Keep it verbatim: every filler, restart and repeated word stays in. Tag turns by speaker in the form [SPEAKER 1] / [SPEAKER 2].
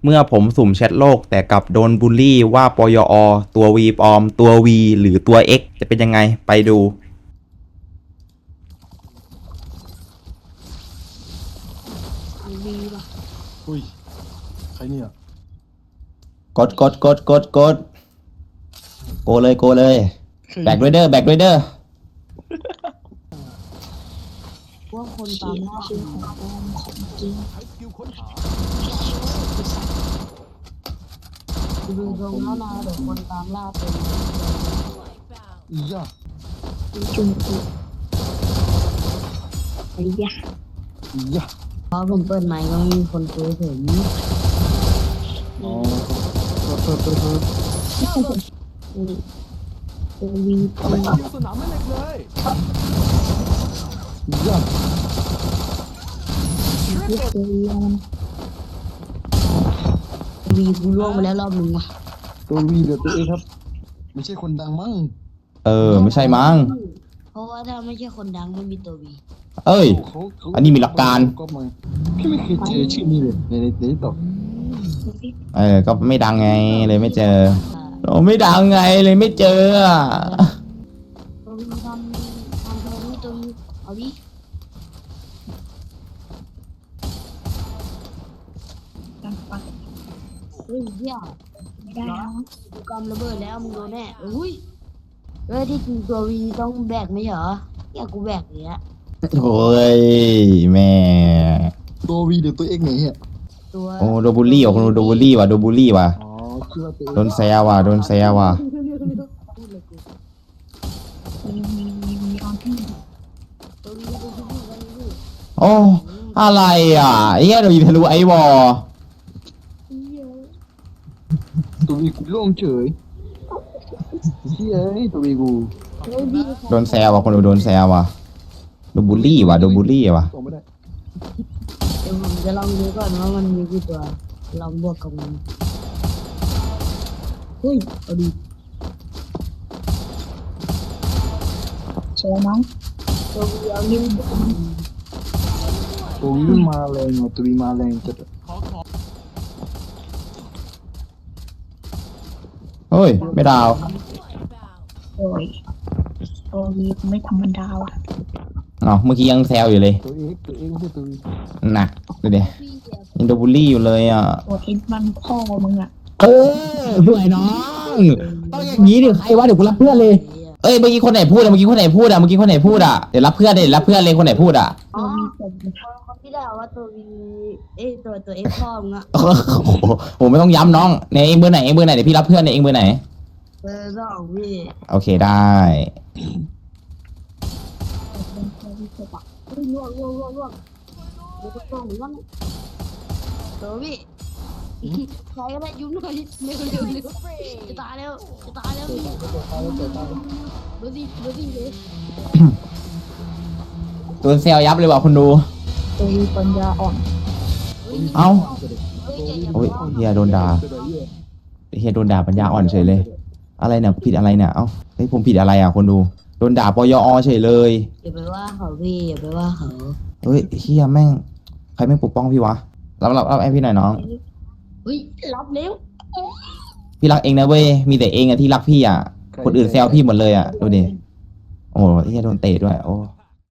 [SPEAKER 1] เมื่อผมสุ่มแชทโลกแต่กลับโดนบูลลี่ว่าปยอตัว V ปลอมตัว V หรือตัว X จะเป็นยังไงไปดู
[SPEAKER 2] วีป่ะ
[SPEAKER 3] อุ้ยใครเนี่ย
[SPEAKER 1] กดกดกดกดกดโกเลยโกเลยแบกด้วยเด้อแบกด้วยเด้อ
[SPEAKER 2] ว่าคนตามล่าเป็นของปลอมของจริงดูตรงแล้วนะเดี๋ยวคนตามล่าเป็น
[SPEAKER 3] อีย่า
[SPEAKER 2] จุ่มจุ่มไอ้ยะ
[SPEAKER 3] อีย่า
[SPEAKER 2] พอผมเปิดไมค์ก็ไม่มีคนคุยถึง
[SPEAKER 3] อ๋อเปิดเปิดเปิด
[SPEAKER 2] ตัววีปลอม
[SPEAKER 3] สนามไม่เล็กเลยอีย่า
[SPEAKER 2] ตัววีมันวีกูล่วงไปแล้วรอบหนึ่งว่ะ
[SPEAKER 3] ตัววีเหลือตัวเองครับไม่ใช่คนดังมั้ง
[SPEAKER 1] เออไม่ใช่มั้ง
[SPEAKER 2] เพราะว่าถ้าไม่ใช่คนดังไม่มีตัววี
[SPEAKER 1] เอ้ย
[SPEAKER 3] เขาเขา
[SPEAKER 1] อันนี้มีหลักการ
[SPEAKER 3] ก็มาพี่ไม่เคยเจอชื่อนี้เลยในในในตอก
[SPEAKER 1] เออก็ไม่ดังไงเลยไม่เจอโอ้ไม่ดังไงเลยไม่เจออะ
[SPEAKER 2] ตัววีทำทำตัววีตัววีเอาดิเฮ้ยเหี้ยได้แล้วกูกำระเบิดแล้วมึงโดนแน่อุ้ยเฮ้ยที่จริงตัววีต้องแบกไม่เหรอเนี่ยกูแบกเลยอะ
[SPEAKER 1] โอ้ยแม่
[SPEAKER 3] ตัววีเหลือตัวเองไหนเนี่ย
[SPEAKER 2] ตัว
[SPEAKER 1] โอ้โดนบูลลี่ว่ะคนดูโดนบูลลี่ว่ะโดนบูลลี่ว่ะ
[SPEAKER 3] อ๋อชื่อว่าตัวเอง
[SPEAKER 1] โดนแซวว่ะโดนแซวว่ะ
[SPEAKER 2] พูดเลยกูมีมีมีมีออนที่ตัววีตัววีตัววี
[SPEAKER 1] โอ้อะไรอ่ะไอ้เหี้ยเรายิงทะลุไอ้วอ
[SPEAKER 3] ตัววีกูโล่งเฉยเชี่ยไอ้ตัววีกู
[SPEAKER 1] โดนแซวว่ะคนดูโดนแซวว่ะโดนบูลลี่ว่ะโดนบูลลี่ว่ะ
[SPEAKER 3] ส่งไม่ได้
[SPEAKER 2] เดี๋ยวผมจะลองดูก่อนว่ามันมีกี่ตัวลองบวกกับมันเฮ้ยเอาดิใช่ไหมตัววีเอานิ้ว
[SPEAKER 3] ตัววีมันมาแรงอ่ะตัววีมาแรงจัด
[SPEAKER 1] เฮ้ยไม่ดาว
[SPEAKER 2] โอ้ยตัววีไม่ธรรมดาว่ะ
[SPEAKER 1] เอ้าเมื่อกี้ยังแซวอยู่เลย
[SPEAKER 3] ตัวเองตัวเองไม่ใช่ตัววี
[SPEAKER 1] หนักดูดิยังโดนบูลลี่อยู่เลยอ่ะ
[SPEAKER 2] ตัวเอ็นมันพ่อมึงอ่ะ
[SPEAKER 1] เออเพื่อนน้องต้องอย่างนี้ดิใครวะเดี๋ยวกูรับเพื่อนเลยเอ้ยเมื่อกี้คนไหนพูดอะเมื่อกี้คนไหนพูดอะเมื่อกี้คนไหนพูดอะเดี๋ยวรับเพื่อนเดี๋ยวรับเพื่อนเลยคนไหนพูดอะ
[SPEAKER 2] อ๋อคนที่ได้ว่าตัววีเอ้ตัวตัวเอ็กพ่อมึงอ่ะ
[SPEAKER 1] โอ้โหผมไม่ต้องย้ำน้องเนี่ยเองเบอร์ไหนเองเบอร์ไหนเดี๋ยวพี่รับเพื่อนเนี่ยเองเบอร์ไหน
[SPEAKER 2] เบอร์สองพี่
[SPEAKER 1] โอเคได้
[SPEAKER 2] เฮ้ยล่วงล่วงล่วงล่วงเดี๋ยวจะต้องหรือว่าตัววีใครก็ได้ยุ่งหน่อยเร็วเร็วเร็วจะตายแล้วจะตายแล้วพี่เบอร์สี่เบอร์สี่เลย
[SPEAKER 1] โดนแซวยับเลยว่ะคุณดู
[SPEAKER 2] ตัววีปัญญาอ่อน
[SPEAKER 1] เอ้า
[SPEAKER 2] เฮ้ยใจเย็น
[SPEAKER 1] โอ้ยเฮียโดนด่าเฮียโดนด่าปัญญาอ่อนเฉยเลย อะไรเนี่ยผิดอะไรเนี่ยเอ้าเฮ้ยผมผิดอะไรอ่ะคนดูโดนด่าปยอเฉยเลย
[SPEAKER 2] อย่าไปว่าเขาพี่อย่าไปว่าเขา
[SPEAKER 1] เฮ้ยเฮียแม่งใครไม่ปกป้องพี่วะรับรับรับไอพี่หน่อยน้อง
[SPEAKER 2] เฮ้ยรับเร็ว
[SPEAKER 1] พี่รักเองนะเว้ยมีแต่เองอะที่รักพี่อะคนอื่นแซวพี่หมดเลยอะดูดิโอ้โหเฮียโดนเตะด้วยโอ้